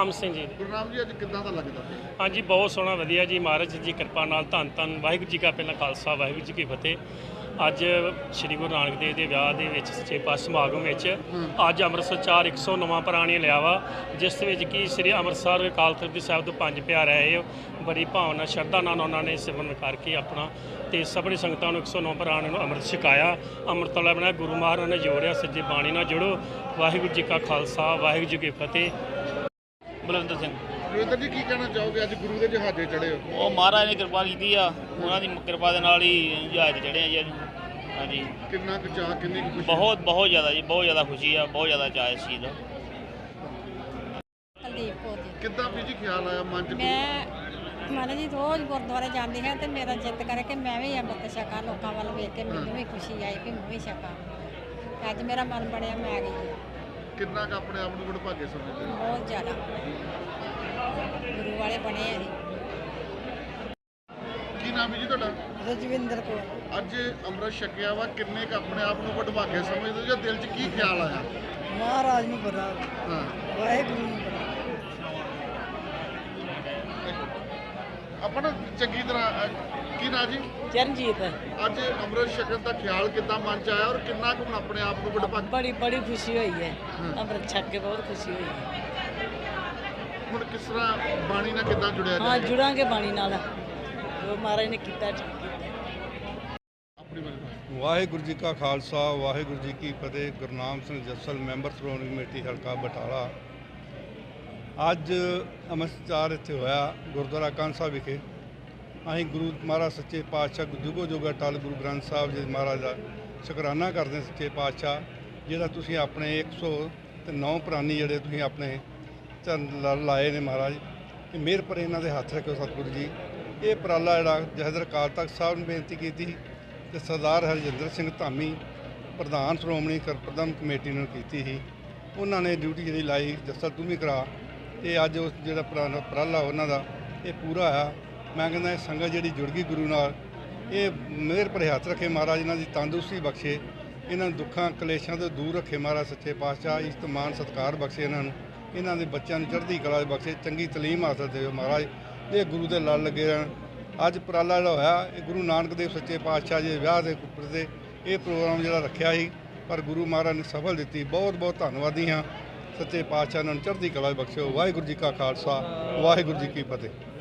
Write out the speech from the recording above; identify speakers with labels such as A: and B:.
A: ਗੁਰਨਾਮ ਸਿੰਘ ਜੀ।
B: ਗੁਰਨਾਮ ਜੀ ਅੱਜ ਕਿੱਦਾਂ ਦਾ ਲੱਗਦਾ?
A: ਹਾਂਜੀ ਬਹੁਤ ਸੋਹਣਾ ਵਧੀਆ ਜੀ, ਮਹਾਰਾਜ ਜੀ ਕਿਰਪਾ ਨਾਲ ਧੰਨ ਧੰਨ ਵਾਹਿਗੁਰੂ ਜੀ ਕਾ ਪਹਿਲਾਂ ਖਾਲਸਾ ਵਾਹਿਗੁਰੂ ਜੀ ਕੀ ਫਤਿਹ। ਅੱਜ ਸ੍ਰੀ ਗੁਰੂ ਨਾਨਕ ਦੇਵ ਦੇ ਵਿਆਹ ਦੇ ਵਿੱਚ ਸੱਚੇ ਪਾਤਸ਼ਾਹ ਸਮਾਗਮ ਵਿੱਚ ਅੱਜ ਅੰਮ੍ਰਿਤਸਰ 409 ਪ੍ਰਾਣੀ ਲਿਆ ਵਾ, ਜਿਸ ਦੇ ਵਿੱਚ ਕਿ ਸ੍ਰੀ ਅੰਮ੍ਰਿਤਸਰ ਅਕਾਲ ਤਖਤ ਦੇ ਸਾਹਿਬ ਤੋਂ 5 ਪਿਆਰੇ ਆਏ। ਬੜੀ ਭਾਵਨਾ ਸ਼ਰਧਾ ਨਾਲ ਉਹਨਾਂ ਨੇ ਸਿਮਰਨ ਕਰਕੇ ਆਪਣਾ ਤੇ ਸਭਨੀ ਸੰਗਤਾਂ ਨੂੰ 109 ਪ੍ਰਾਣੀਆਂ ਨੂੰ ਅੰਮ੍ਰਿਤ ਛਕਾਇਆ। ਅੰਮ੍ਰਿਤ ਵਾਲਾ ਬਣਾਇਆ, ਗੁਰੂ ਮਹਾਰਾਜ ਨੇ ਜੋੜਿਆ, ਸੱਜੇ ਬਾਣੀ ਨਾਲ ਜੁੜੋ। ਵਾਹਿਗੁਰੂ ਜੀ ਕਾ ਖਾਲਸਾ ਵਾਹਿਗੁਰੂ ਜੀ ਕੀ ਫਤਿਹ।
C: ਬਲਵਿੰਦਰ ਸਿੰਘ।
B: ਰਵਿੰਦਰ ਜੀ ਕੀ ਕਹਿਣਾ ਚਾਹੋਗੇ, ਅੱਜ ਗੁਰੂ ਦੇ ਜਹਾਜ਼ੇ ਚੜ੍ਹੇ ਹੋ?
C: ਉਹ ਮਹਾਰਾਜ ਨੇ ਕਿਰਪਾ ਕੀਤੀ ਆ, ਉਹਨਾਂ ਦੀ ਕਿਰਪਾ ਦੇ ਨਾਲ ਹੀ ਜਹਾਜ਼ ਚੜ੍ਹੇ ਆ ਜੀ ਅੱਜ। ਹਾਂਜੀ
B: ਕਿੰਨਾ ਕੁ ਚਾਅ, ਕਿੰਨੀ ਕੁ ਖੁਸ਼ੀ?
C: ਬਹੁਤ ਜ਼ਿਆਦਾ ਜੀ, ਬਹੁਤ ਜ਼ਿਆਦਾ ਖੁਸ਼ੀ ਆ, ਬਹੁਤ ਜ਼ਿਆਦਾ ਚਾਅ ਇਸ ਚੀਜ਼ ਦਾ।
D: ਕੁਲਦੀਪ ਕੌਰ ਜੀ।
B: ਕਿੱਦਾਂ ਵੀ ਜੀ ਖਿਆਲ ਆਇਆ ਮਨ 'ਚ?
D: ਮੈਂ ਮਹਾਰਾਜ ਜੀ ਰੋਜ਼ ਗੁਰਦੁਆਰੇ ਜਾਂਦੀ ਹਾਂ ਤੇ ਮੇਰਾ ਜਿੱਤ ਕਰੇ ਕਿ ਮੈਂ ਵੀ ਅੰਮ੍ਰਿਤ ਛਕਾਂ, ਲੋਕਾਂ ਵੱਲ ਵੇਖ ਕੇ ਮੈਨੂੰ ਵੀ ਖੁਸ਼ੀ ਆਈ ਕਿ ਮੈਂ ਵੀ ਛਕਾਂ। ਤੇ ਅੱਜ ਮੇਰਾ ਮਨ ਬਣਿਆ, ਮੈਂ ਆ ਗਈ।
B: ਕਿੰਨਾ ਕੁ ਆਪਣੇ ਆਪ ਨੂੰ ਵਡਭਾਗੇ ਸਮਝਦੇ ਹੋ?
D: ਬਹੁਤ ਜ਼ਿਆਦਾ ਗੁਰੂ ਵਾਲੇ ਬਣੇ ਆ ਜੀ।
B: ਕੀ ਨਾਮ ਹੈ ਜੀ ਤੁਹਾਡਾ?
D: ਰਜਵਿੰਦਰ ਕੌਰ।
B: ਅੱਜ ਅੰਮ੍ਰਿਤ ਛਕਿਆ ਵਾ, ਕਿੰਨੇ ਕੁ ਆਪਣੇ ਆਪ ਨੂੰ ਵਡਭਾਗੇ ਸਮਝਦੇ ਹੋ ਜਾਂ ਦਿਲ 'ਚ ਕੀ ਖਿਆਲ ਆਇਆ?
D: ਮਹਾਰਾਜ ਨੂੰ ਪਤਾ,
B: ਹਾਂ,
D: ਵਾਹਿਗੁਰੂ ਨੂੰ ਪਤਾ।
B: ਆਪਣਾ ਚੰਗੀ ਤਰ੍ਹਾਂ ਕੀ ਨਾਂ ਜੀ?
D: ਚਰਨਜੀਤ।
B: ਅੱਜ ਅੰਮ੍ਰਿਤ ਛਕਣ ਦਾ ਖਿਆਲ ਕਿੱਦਾਂ ਮਨ 'ਚ ਆਇਆ ਔਰ ਕਿੰਨਾ ਕੁ ਹੁਣ ਆਪਣੇ ਆਪ ਨੂੰ ਵਡਭਾਗੇ?
D: ਬੜੀ ਖੁਸ਼ੀ ਹੋਈ ਹੈ, ਅੰਮ੍ਰਿਤ ਛਕ ਕੇ ਬਹੁਤ ਖੁਸ਼ੀ ਹੋਈ ਹੈ।
B: ਹੁਣ ਕਿਸ ਤਰ੍ਹਾਂ ਬਾਣੀ ਨਾਲ ਕਿੱਦਾਂ ਜੁੜਿਆ
D: ਹਾਂ,
B: ਜਾਏ?
D: ਜੁੜਾਂਗੇ ਬਾਣੀ ਨਾਲ, ਜੋ ਮਹਾਰਾਜ ਨੇ ਕੀਤਾ ਠੀਕ ਕੀਤਾ।
B: ਆਪਣੀ ਬਾਣੀ।
E: ਵਾਹਿਗੁਰੂ ਜੀ ਕਾ ਖਾਲਸਾ ਵਾਹਿਗੁਰੂ ਜੀ ਕੀ ਫਤਿਹ। ਗੁਰਨਾਮ ਸਿੰਘ ਜੱਸਲ, ਮੈਂਬਰ ਸ਼੍ਰੋਮਣੀ ਕਮੇਟੀ ਹਲਕਾ ਬਟਾਲਾ। ਅੱਜ ਅੰਮ੍ਰਿਤਸਰ ਇੱਥੇ ਹੋਇਆ ਗੁਰਦੁਆਰਾ ਕਾਂਸਾ ਵਿਖੇ। ਅਸੀਂ ਗੁਰੂ ਮਹਾਰਾਜ ਸੱਚੇ ਪਾਤਸ਼ਾਹ ਜੁਗੋ ਜੁਗ ਅਟਲ ਗੁਰੂ ਗ੍ਰੰਥ ਸਾਹਿਬ ਜੀ ਮਹਾਰਾਜ ਦਾ ਸ਼ੁਕਰਾਨਾ ਕਰਦੇ ਸੱਚੇ ਪਾਤਸ਼ਾਹ, ਜਿਹੜਾ ਤੁਸੀਂ ਆਪਣੇ 109 ਪ੍ਰਾਨੀ ਜਿਹੜੇ ਤੁਸੀਂ ਆਪਣੇ ਚਰਨ ਲਾਏ ਨੇ ਮਹਾਰਾਜ, ਕਿ ਮਿਹਰ ਪਰ ਇਹਨਾਂ ਦੇ ਹੱਥ ਰੱਖੋ ਸਤਿਗੁਰੂ ਜੀ। ਇਹ ਉਪਰਾਲਾ ਜਿਹੜਾ ਜਥੇਦਾਰ ਅਕਾਲ ਤਖਤ ਸਾਹਿਬ ਨੂੰ ਬੇਨਤੀ ਕੀਤੀ ਤੇ ਸਰਦਾਰ ਹਰਜਿੰਦਰ ਸਿੰਘ ਧਾਮੀ ਪ੍ਰਧਾਨ ਸ਼੍ਰੋਮਣੀ ਪ੍ਰਬੰਧਕ ਕਮੇਟੀ ਨੂੰ ਕੀਤੀ ਸੀ। ਉਹਨਾਂ ਨੇ ਡਿਊਟੀ ਜਿਹੜੀ ਲਾਈ, ਜੱਸਲ ਤੂੰ ਵੀ ਕਰਾ, ਤੇ ਅੱਜ ਉਸ ਜਿਹੜਾ ਉਪਰਾਲਾ ਉਹਨਾਂ ਦਾ ਇਹ ਪੂਰਾ ਆ। ਮੈਂ ਕਹਿੰਦਾ ਇਹ ਸੰਗਤ ਜਿਹੜੀ ਜੁੜ ਗਈ ਗੁਰੂ ਨਾਲ, ਇਹ ਮਿਹਰ ਭਰੇ ਹੱਥ ਰੱਖੇ ਮਹਾਰਾਜ, ਇਹਨਾਂ ਦੀ ਤੰਦਰੁਸਤੀ ਬਖਸ਼ੇ, ਇਹਨਾਂ ਨੂੰ ਦੁੱਖਾਂ ਕਲੇਸ਼ਾਂ ਤੋਂ ਦੂਰ ਰੱਖੇ ਮਹਾਰਾਜ ਸੱਚੇ ਪਾਤਸ਼ਾਹ। ਇੱਜ਼ਤ ਮਾਣ ਸਤਿਕਾਰ ਬਖਸ਼ੇ ਇਹਨਾਂ ਨੂੰ, ਇਹਨਾਂ ਦੇ ਬੱਚਿਆਂ ਨੂੰ ਚੜ੍ਹਦੀ ਕਲਾ ਬਖਸ਼ੇ, ਚੰਗੀ ਤਾਲੀਮ ਹਾਸਲ ਦੇਵੇ ਮਹਾਰਾਜ। ਇਹ ਗੁਰੂ ਦੇ ਲੜ ਲੱਗੇ ਰਹਿਣ। ਅੱਜ ਉਪਰਾਲਾ ਜਿਹੜਾ ਹੋਇਆ, ਇਹ ਗੁਰੂ ਨਾਨਕ ਦੇਵ ਸੱਚੇ ਪਾਤਸ਼ਾਹ ਜੀ ਦੇ ਵਿਆਹ ਦੇ ਉੱਪਰ ਤੇ ਇਹ ਪ੍ਰੋਗਰਾਮ ਜਿਹੜਾ ਰੱਖਿਆ ਸੀ, ਪਰ ਗੁਰੂ ਮਹਾਰਾਜ ਨੇ ਸਫਲ ਦਿੱਤੀ। ਬਹੁਤ ਬਹੁਤ ਧੰਨਵਾਦੀ ਹਾਂ ਸੱਚੇ ਪਾਤਸ਼ਾਹ, ਇਹਨਾਂ ਨੂੰ ਚੜ੍ਹਦੀ ਕਲਾ ਬਖਸ਼ਿਓ। ਵਾਹਿਗੁਰੂ ਜੀ ਕਾ ਖਾਲਸਾ ਵਾਹਿਗੁਰੂ ਜੀ ਕੀ ਫਤਿਹ।